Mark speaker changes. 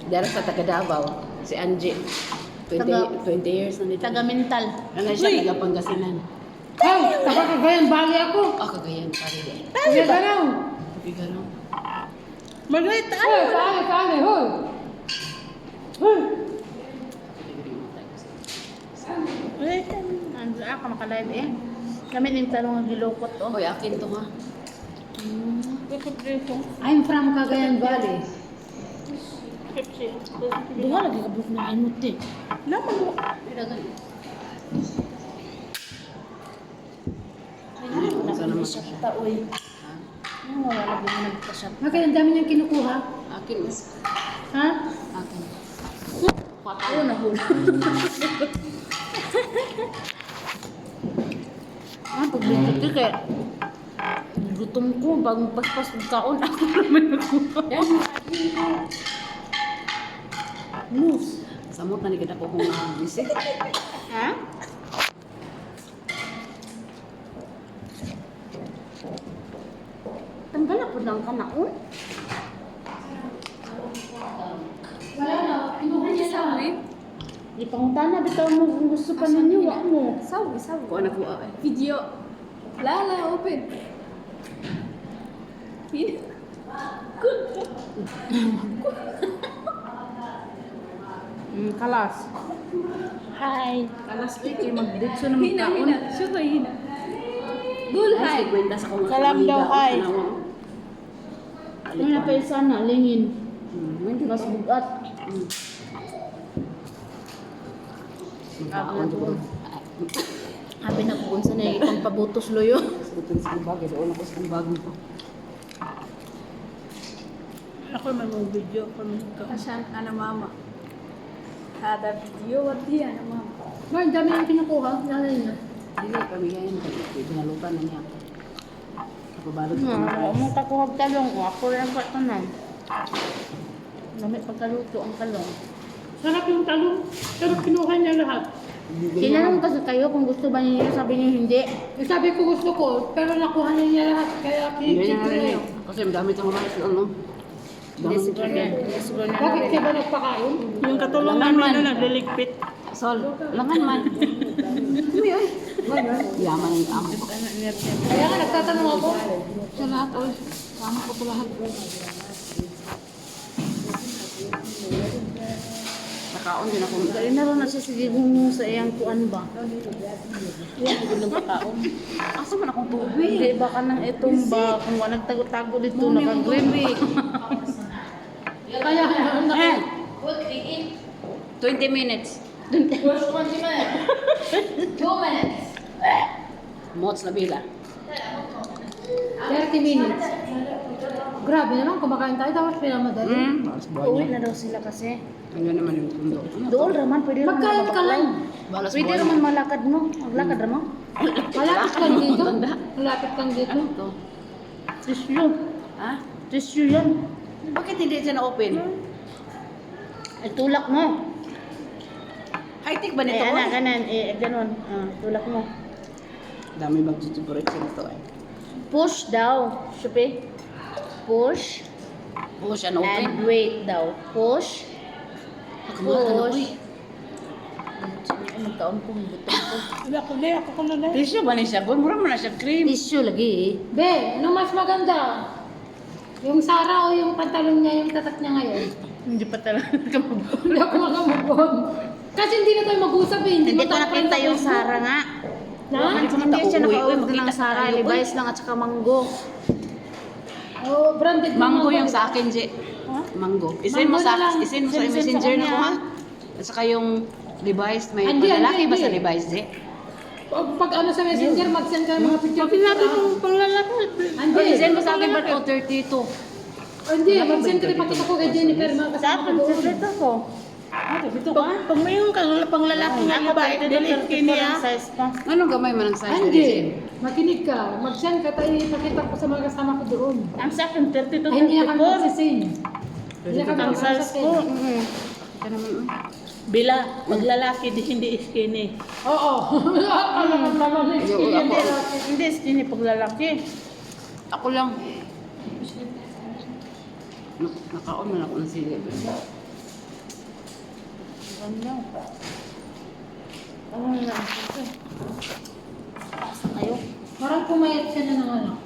Speaker 1: Dara sa taga Davao, si Angie. 20 years na dito.
Speaker 2: Taga-mental.
Speaker 1: Ano siya, taga Pangasinan.
Speaker 3: Ay, taga Cagayan Valley ako.
Speaker 1: Ah, Cagayan, pare din.
Speaker 3: Kuya Garaw.
Speaker 1: Pigaro.
Speaker 2: Margaret,
Speaker 3: Hoy, kaali, hoy. Hoy.
Speaker 2: Wait, andun ako makalive eh. Kami yung talong ang gilukot oh.
Speaker 1: Hoy, akin to ha.
Speaker 3: I'm from Cagayan Valley.
Speaker 2: Duha lagi ka buhok na imot eh. Lama mo.
Speaker 1: Sana naman siya.
Speaker 2: Taoy. Ano wala lagi mo nagpa-shop.
Speaker 3: Okay, ang dami niyang kinukuha.
Speaker 1: Akin.
Speaker 2: Ha?
Speaker 1: Akin.
Speaker 2: Oo na hula. Pagbintot ko kaya gutom ko, bagong paspas ng kaon, ako naman nakuha. Moose.
Speaker 1: Samot na ni kita ko kung bisik.
Speaker 2: Ha? Tanggal ako lang ka na, oh.
Speaker 3: Wala na, kinuha niya sa
Speaker 2: Ipangutana, bitaw mo kung gusto pa ninyo, wak mo.
Speaker 4: Sawi.
Speaker 1: Kung anak ko ay.
Speaker 4: Video. Lala, open.
Speaker 2: Kalas. Hi.
Speaker 1: Kalas kay mag-ditso na
Speaker 4: Hina.
Speaker 1: magkaon.
Speaker 4: Syutoy, hina. Gulhay.
Speaker 1: Ay, kwenta sa kung
Speaker 2: Salam daw, hi.
Speaker 1: Ano
Speaker 2: Ano pa isa na, lingin.
Speaker 1: Hindi
Speaker 2: Mas bugat.
Speaker 1: Magkaon doon.
Speaker 2: Habi na kung saan na itong pabutos loyo.
Speaker 1: Sabutin sa bagay. Doon ako sa bagay ko.
Speaker 2: Ako may mga video.
Speaker 4: Asan, ana mama. Hada video, wadi ana mama.
Speaker 3: Ma, ang dami niyang kinukuha. Nanay niya.
Speaker 1: Hindi, pamigayan ko. Binalutan na niya ako. Kapabalot ko na
Speaker 2: Ako
Speaker 1: rice.
Speaker 2: mong takuhag talong ko. Ako rin ang katanan. Lamit pagkaluto ang talong.
Speaker 3: Sarap yung talong. Pero kinuha niya lahat.
Speaker 2: Tinanong kasi kayo kung gusto ba niyo, sabi niyo hindi.
Speaker 3: Eh, sabi ko gusto ko, pero nakuha niya lahat. Kaya
Speaker 1: Hindi
Speaker 3: kinipit
Speaker 1: na
Speaker 3: ko
Speaker 1: rin
Speaker 3: na
Speaker 1: yun. Kasi madami itong rice. Ano?
Speaker 2: Hindi siguro na. Hindi siguro na.
Speaker 3: Bakit kayo ba nagpakain?
Speaker 2: Yung katulong namin na nagliligpit.
Speaker 1: Sol, langan man. Uy, uy. Yaman ang amo.
Speaker 3: Kaya nga nagtatanong ako. Sa lahat, oy. Tama ko ito lahat.
Speaker 1: Nakaon din ako.
Speaker 2: Dali na rin na siya sigigong sa iyang kuan ba? Yan, hindi lang pakaon.
Speaker 1: Asa man akong tubig?
Speaker 2: Hindi, baka nang itong ba, kung wala nagtago-tago dito, nakagrimi.
Speaker 3: Kaya ang laki.
Speaker 1: 20 minutes.
Speaker 4: First 20 minutes. 2 minutes.
Speaker 1: Mots na bila.
Speaker 3: 30 minutes. Grabe naman, kumakain tayo, tapos pinamadali.
Speaker 1: Balas buhay
Speaker 2: Uwi
Speaker 1: niya.
Speaker 2: na daw sila kasi.
Speaker 1: Ano naman yung tundo? Ano to?
Speaker 2: Doon raman, pwede raman
Speaker 3: Magkain ka lang.
Speaker 1: Balas
Speaker 2: Pwede
Speaker 1: buhay
Speaker 2: raman
Speaker 1: niya.
Speaker 2: malakad mo. Maglakad raman.
Speaker 3: Malapit kang dito. Malapit kang dito.
Speaker 1: Ano to?
Speaker 2: Tissue.
Speaker 1: Ha?
Speaker 2: Tissue yan.
Speaker 1: Bakit hindi siya na-open?
Speaker 2: Ay, tulak mo.
Speaker 1: High-tech ba
Speaker 2: Eh,
Speaker 1: nito?
Speaker 2: anak, kanan. Eh, ganun. Tulak mo.
Speaker 1: Dami mag-tutuborate siya nito eh.
Speaker 2: Push daw. Shupi. Push.
Speaker 1: Oo, siya na-open.
Speaker 2: And wait daw. Push.
Speaker 1: Kamuha ka na, uy.
Speaker 2: Magkaon ko, butong ko.
Speaker 3: Ako ko na lang.
Speaker 1: Tissue ba niya siya? Mura mo na siya cream.
Speaker 2: Tissue lagi eh.
Speaker 3: Be, ano mas maganda? Yung Sara o yung pantalon niya, yung tatak niya ngayon?
Speaker 2: Hindi pa talaga kamabot.
Speaker 3: Hindi ako makamubon. Kasi hindi na tayo mag-usap eh.
Speaker 2: Hindi ko
Speaker 3: matapang
Speaker 2: nakita
Speaker 3: sa
Speaker 2: yung
Speaker 3: Facebook.
Speaker 2: Sara nga.
Speaker 3: Na?
Speaker 2: Hindi siya nakauwi ng
Speaker 1: Makita
Speaker 2: Sara.
Speaker 1: tayo, uy.
Speaker 2: Levi's lang at saka Mango.
Speaker 3: Oh, branded
Speaker 1: Mango yung sa akin, Je.
Speaker 2: Ha?
Speaker 1: Mango. Isin mo
Speaker 3: Mango na lang.
Speaker 1: sa isin mo sa
Speaker 2: Send sa
Speaker 1: messenger na
Speaker 2: kanya,
Speaker 1: ko ha.
Speaker 2: ha?
Speaker 1: At saka yung Levi's, may
Speaker 3: Andi,
Speaker 1: paglalaki
Speaker 3: andi,
Speaker 1: ba sa
Speaker 3: andi.
Speaker 1: Levi's, Je?
Speaker 3: Pag ano sa messenger, mag-send ka ng mga picture.
Speaker 2: Sinabi ko panglalaki.
Speaker 3: Hindi.
Speaker 1: Isin mo sa akin ba 32?
Speaker 3: Hindi, mag-send ka rin pakita ko kay Jennifer. Mga
Speaker 2: Sa
Speaker 3: kasama ko
Speaker 2: akin,
Speaker 3: doon.
Speaker 2: secret ako.
Speaker 1: Dito ka?
Speaker 5: Pag may yung panglalaki nga
Speaker 2: Ako
Speaker 5: iba,
Speaker 2: pa, ito
Speaker 5: dili skinny
Speaker 2: ang
Speaker 5: ah.
Speaker 2: size pa.
Speaker 1: Anong gamay man ang size ni
Speaker 3: Hindi.
Speaker 1: Jen?
Speaker 3: Makinig ka. Mag-send ka tayo. Ipakita ko sa mga kasama ko doon.
Speaker 2: Ang sa akin, 32
Speaker 3: Ay, hindi na kami
Speaker 2: 34.
Speaker 3: magsising. Hindi na kami
Speaker 2: Ang size ko.
Speaker 3: magsising.
Speaker 1: Ika naman, uy.
Speaker 5: Bila, maglalaki, di hindi skinny.
Speaker 3: Oo. Alam mo naman na
Speaker 1: Yo,
Speaker 2: Hindi,
Speaker 1: ako.
Speaker 2: hindi, skinny pag lalaki.
Speaker 1: Ako lang. Nakaon man ako ng sili.
Speaker 2: Ano? Ano na? Asa kayo?
Speaker 3: Parang pumayat siya na ng ano.